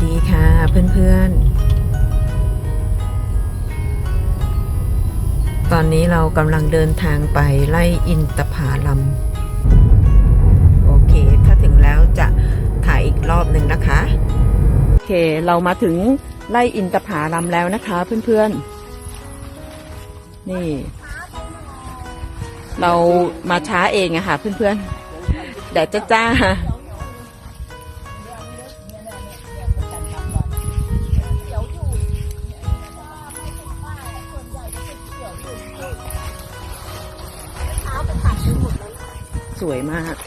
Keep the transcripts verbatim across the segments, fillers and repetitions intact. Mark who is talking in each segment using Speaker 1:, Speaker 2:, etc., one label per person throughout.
Speaker 1: ดีค่ะเพื่อนๆตอนนี้เรากำลังเดินทางไปไล่อินทผลัมโอเคถ้าถึงแล้วจะถ่ายอีกรอบหนึ่งนะคะโอเคเรามาถึงไล่อินทผลัมแล้วนะคะเพื่อนๆนี่เรามาช้าเองอะค่ะเพื่อนๆแดดจ้าๆสวยมาก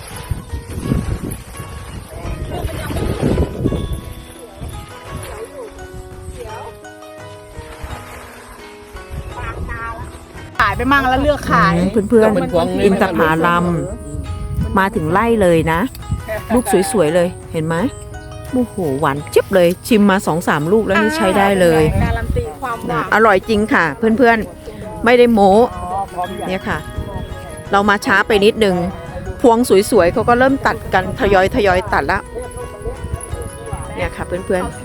Speaker 2: ขายไปมั่งแล้วเลือกขาย
Speaker 1: เพื่อนๆอินทผลัมมาถึงไล่เลยนะลูกสวยๆเลยเห็นไหมโอ้โหหวานเจี๊ยบเลยชิมมาสองสามลูกแล้วนี่ใช้ได้เลย
Speaker 2: การันตีความหวาน
Speaker 1: อร่อยจริงค่ะเพื่อนๆไม่ได้โม้เนี่ยค่ะเรามาช้าไปนิดนึงพวงสวยๆเขาก็เริ่มตัดกันทยอยทยอยตัดแล้วเนี่ยค่ะเพื่อนๆ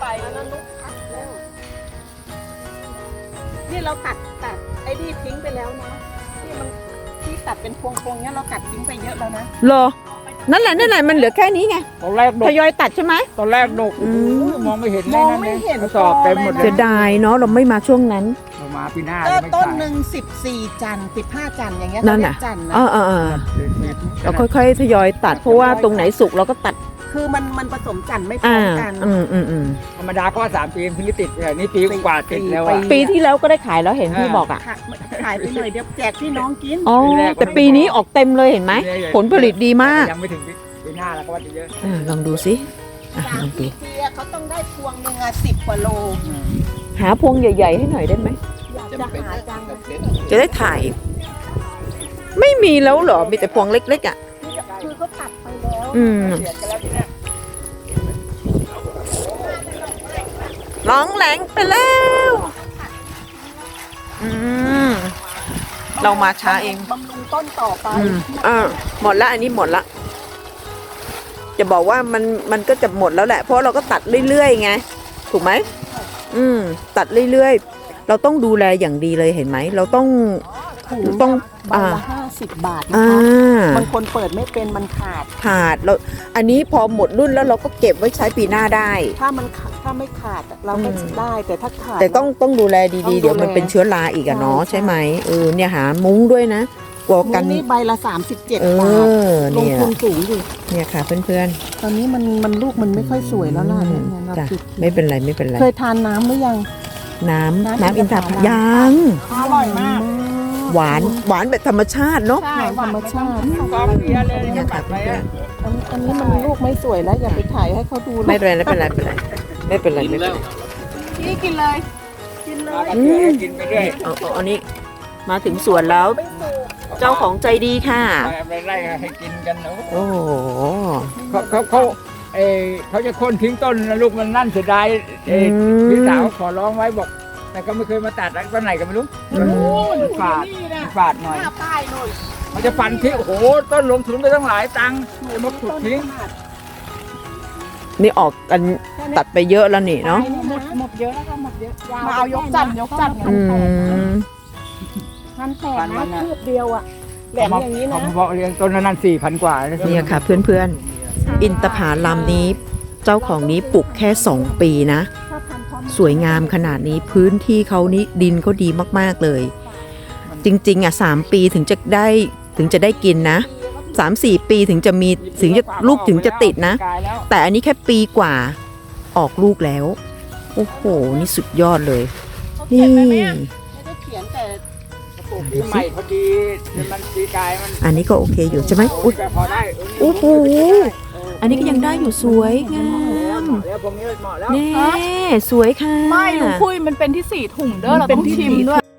Speaker 2: นี่เราตัดตัดไอ้นี่ทิ้งไปแล้วนะที่มันที่ตัดเป็นพวงๆเนี้ยเราตัดทิ้งไปเยอะแล้วนะ
Speaker 1: รอนั่นแหละนั่นแหละมันเหลือแค่นี้ไง
Speaker 3: ตอนแรกด
Speaker 1: ท
Speaker 3: ก
Speaker 1: ยอยตัดใช่ไหม
Speaker 3: ตอนแรกดก
Speaker 1: อืม
Speaker 3: มองไม่เห็น
Speaker 2: มองไม่เห็น
Speaker 3: กระสอบเต็มหมดเล
Speaker 1: เสี
Speaker 3: ย
Speaker 1: ยดายเนาะเราไม่มาช่วงนั้น
Speaker 3: เรามาปีหน้า
Speaker 2: ก็
Speaker 3: จะไม่
Speaker 2: ต้น
Speaker 3: ขาย
Speaker 2: หนึ่งสิบสี่จันทร์สิบห้าจันทร์อย่างเงี้ย
Speaker 1: นั่น
Speaker 2: เขาเรี
Speaker 1: น่ะ
Speaker 2: ยกจันทร์นะ
Speaker 1: เออเออเออเราค่อยๆทยอยตัดเพราะว่าตรงไหนสุกเราก็ตัด
Speaker 2: คือมันมันผสมจันทร์ไม่พร้
Speaker 1: อ่า
Speaker 2: อมกัน
Speaker 1: อืมอืมอืม
Speaker 3: ธรรมดาก็สามปีถึงจะติดแต่นี่ปีกว่าติดแล้วอะ
Speaker 1: ปีที่แล้วก็ได้ขายแล้วเห็นพี่บอกอ่ะ
Speaker 2: ขายขายไปหน่อยเดี๋ยวแจกพี่น้องกิน
Speaker 1: อ๋อแต่ปีนี้ออกเต็มเลยเห็นไหมผลผลิตดีมาก
Speaker 3: ยังไม่ถึงปีหน้าแล้วก็ว่าจะเยอะ
Speaker 1: อ่าลองดูสิอ่ะ
Speaker 2: สา
Speaker 1: ล
Speaker 2: ม
Speaker 1: องดู
Speaker 2: สี่ปีอะเขาต้องได้พวงหนึ่งอะสิบกว่าโล
Speaker 1: หาพวงใหญ่ๆให้หน่อยได้ไหม
Speaker 2: อยากจะหาจัง
Speaker 1: จะได้ถ่าย ไม่มีแล้วเหรอมีแต่พวงเล็กๆอ่ะ
Speaker 2: คือเขาตัดไปแล้ว
Speaker 1: อืม
Speaker 3: เสียดกันแล้วทีเนี้ย
Speaker 1: ร้องแหลงไปแล้วอืมเรามาช้าเอง
Speaker 2: บำรุงต้นต่อไป
Speaker 1: อืมอ่าหมดละอันนี้หมดละจะบอกว่ามันมันก็จะหมดแล้วแหละเพราะเราก็ตัดเรื่อยๆไงถูกไหมอืมตัดเรื่อยๆเราต้องดูแลอย่างดีเลยเห็นไหมเราต้อง ต้อง
Speaker 2: ใบ
Speaker 1: อ่า
Speaker 2: ละห้าสิบบาทนะ
Speaker 1: อ่า
Speaker 2: คะบางคนเปิดไม่เป็นมันขาด
Speaker 1: ขาดเราอันนี้พอหมดรุ่นแล้วเราก็เก็บไว้ใช้ปีหน้าได้
Speaker 2: ถ้ามันขาดถ้าไม่ขาดอะเราก็
Speaker 1: อืม
Speaker 2: ได้แต่ถ้าขาด
Speaker 1: แต่ต้องต้องดูแลดีๆ
Speaker 2: ต้องดูแล
Speaker 1: เดี๋ยวมันเป็นเชื้อราอีกอะเนาะ
Speaker 2: ใช่
Speaker 1: ใช่ไหมเออเนี่ยหามุ้งด้วยนะกลัว
Speaker 2: กั
Speaker 1: กัน น
Speaker 2: นี่ใบละสามสิบเจ็ด
Speaker 1: เอบ
Speaker 2: าท
Speaker 1: อ
Speaker 2: ลง
Speaker 1: เนี่ย
Speaker 2: ทุนสูงอยู่
Speaker 1: เนี่ยค่ะเพื่อน
Speaker 2: ตอนนี้มันมันลูกมันไม่ค่อยสวยแล้วล่ะ
Speaker 1: อื
Speaker 2: เนี่ย
Speaker 1: ม
Speaker 2: เนี่ยเรา
Speaker 1: จ้ะ
Speaker 2: คิด
Speaker 1: ไม่เป็นไรไม่เป็นไร
Speaker 2: เคยทานน้ำหรือยัง
Speaker 1: น้ำ
Speaker 2: น้ำ
Speaker 1: น้ำอินทผ
Speaker 2: อินทผลัม
Speaker 1: ยัง
Speaker 2: อร่อยมาก
Speaker 1: หวานหวานแบบธรรมชาติเนาะ
Speaker 2: ใช่ธรรมชาติ
Speaker 3: กองเบียร์เลย
Speaker 1: เนี่ย
Speaker 3: ตั
Speaker 1: ค่ะ
Speaker 3: ดไป
Speaker 1: เพื่อ
Speaker 3: อะ
Speaker 1: น
Speaker 2: อันอันนี้มันลูกไม่สวยแล้วอย่าไปถ่ายให้เขาดู
Speaker 1: ๆไม่เป็นไรไม่เป็นไรไม่เป็นไรไม่เป็นไรไม่เป็นไร
Speaker 2: นี่กินเลย กินเลย
Speaker 3: ก็เชื่อกินไปเรื่อย
Speaker 1: เอาเอาอันนี้มาถึงสวนแล้ว
Speaker 2: ไม่สุก
Speaker 1: เจ้าของใจดีค่ะ
Speaker 3: ไปไล่ให้กินกันเนาะ
Speaker 1: โอ้โห
Speaker 3: เขาเขาเขาเออเขาจะโค่นทิ้งต้นนะลูกมันนั่นเสียดายเออ
Speaker 1: อืม
Speaker 3: พี่สาวขอร้องไว้บอก แต่ก็ไม่เคยมาตัดต้นไหนก็ไม่รู้
Speaker 1: อืม
Speaker 3: มันฝาด
Speaker 2: นี่นะ
Speaker 3: มันฝาดหน่อย
Speaker 2: หน้าป้ายหน่อย
Speaker 3: มันจะฟันทิ้งโอ้โหต้นลงทุนไปตั้งหลายตังค์จะมาขุดทิ้ง
Speaker 1: นี่ออกกันตัดไปเยอะแล้วนี่เนาะ
Speaker 2: หมดหมดเยอะแล้วค่ะหมดเยอะมาเอายกจันทร์ยกจันทร์
Speaker 1: อืม
Speaker 2: พันแปดนะคืบเดียวอ่ะแหลมอย่างนี้นะ
Speaker 3: เขาบอกเรียนต้นนั้นสี่พันกว่าแล้ว
Speaker 1: เนี่ยค่ะเพื่อนๆ อินทผลัมนี้ เจ้าของนี้ปลูกแค่สองปีนะ
Speaker 2: ถ้าพันพร้อม
Speaker 1: สวยงามขนาดนี้พื้นที่เขานี้ดินเขาดีมากๆเลย จริงๆอ่ะสามปีถึงจะได้ถึงจะได้กินนะสามสี่ปีถึงจะมีถึงจะลูกถึงจะติดนะ แต่อันนี้แค่ปีกว่าออกลูกแล้ว โอ้โห นี่สุดยอดเลย นี่
Speaker 2: ไม่ได้เขียนแต่
Speaker 3: ปลูกปีใหม่พอดีมันปีกายมัน
Speaker 1: อันนี้ก็โอเคอยู่ใช่ไหมอุ๊ย
Speaker 3: พอได้
Speaker 1: โอ้โห อันนี้ก็ยังได้อยู่สวยงาม
Speaker 3: แล้วพวกนี้เหมาะแล้ว
Speaker 1: แน่สวยค่ะ
Speaker 4: ไม่ลุงคุยมันเป็นที่สี่ถุงเด้อเราต้องชิมด้วย